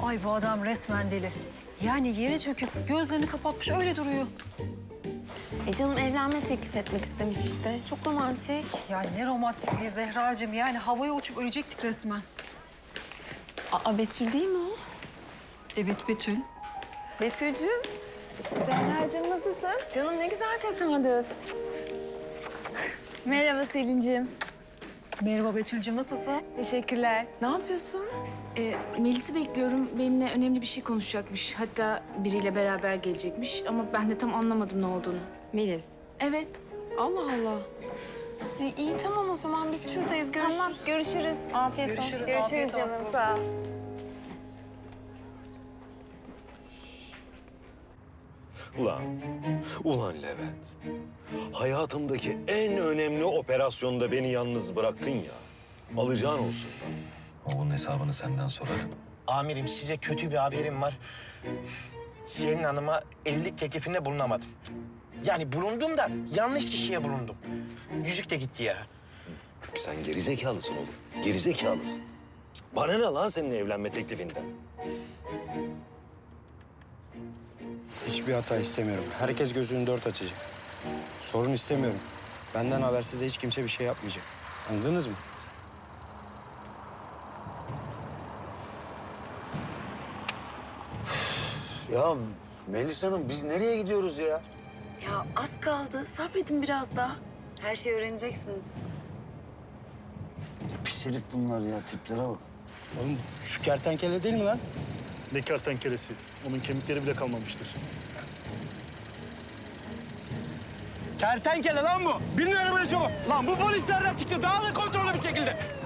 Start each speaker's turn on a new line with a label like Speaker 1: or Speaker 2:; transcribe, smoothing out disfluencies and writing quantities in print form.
Speaker 1: Ay bu adam resmen deli. Yani yere çöküp gözlerini kapatmış öyle duruyor.
Speaker 2: Canım evlenme teklif etmek istemiş işte. Çok romantik.
Speaker 1: Ya ne romantikliği Zehracığım. Yani havaya uçup ölecektik resmen.
Speaker 2: Aa Betül değil mi o?
Speaker 1: Evet Betül.
Speaker 2: Betül'cüğüm.
Speaker 3: Zehracığım nasılsın?
Speaker 2: Canım ne güzel tesadüf.
Speaker 3: Merhaba Selin'ciğim.
Speaker 1: Merhaba Betül'cüğüm nasılsın?
Speaker 3: Teşekkürler.
Speaker 2: Ne yapıyorsun?
Speaker 3: Melis'i bekliyorum. Benimle önemli bir şey konuşacakmış. Hatta biriyle beraber gelecekmiş. Ama ben de tam anlamadım ne olduğunu.
Speaker 2: Melis.
Speaker 3: Evet.
Speaker 2: Allah Allah. İyi tamam o zaman biz şuradayız. Görüşürüz.
Speaker 3: Tamam, görüşürüz.
Speaker 2: Afiyet
Speaker 1: Görüşürüz.
Speaker 2: olsun.
Speaker 3: Görüşürüz
Speaker 1: Afiyet
Speaker 3: canım,
Speaker 1: olsun.
Speaker 3: sağ ol.
Speaker 4: Ulan Levent. Hayatımdaki en önemli operasyonda beni yalnız bıraktın ya. Alacağın olsun. Onun hesabını senden sorarım.
Speaker 5: Amirim size kötü bir haberim var. Siyenin Hanım'a evlilik teklifinde bulunamadım. Yani bulundum da yanlış kişiye bulundum. Yüzük de gitti ya.
Speaker 4: Çünkü sen gerizekalısın oğlum. Gerizekalısın. Bana ne lan senin evlenme teklifinden?
Speaker 6: Hiçbir hata istemiyorum. Herkes gözünü dört açacak. Sorun istemiyorum. Benden habersiz de hiç kimse bir şey yapmayacak. Anladınız mı?
Speaker 7: Ya Melis Hanım biz nereye gidiyoruz ya?
Speaker 8: Ya az kaldı. Sabredin biraz daha. Her şeyi öğreneceksiniz.
Speaker 7: Ne pis herif bunlar ya tiplere bak.
Speaker 6: Oğlum şu kertenkele değil mi lan?
Speaker 9: Ne kertenkelesi. Onun kemikleri bile kalmamıştır.
Speaker 6: Kertenkele lan bu. Binin arabaya çabuk. Lan bu polis nereden çıktı? Daha da kontrollü bir şekilde.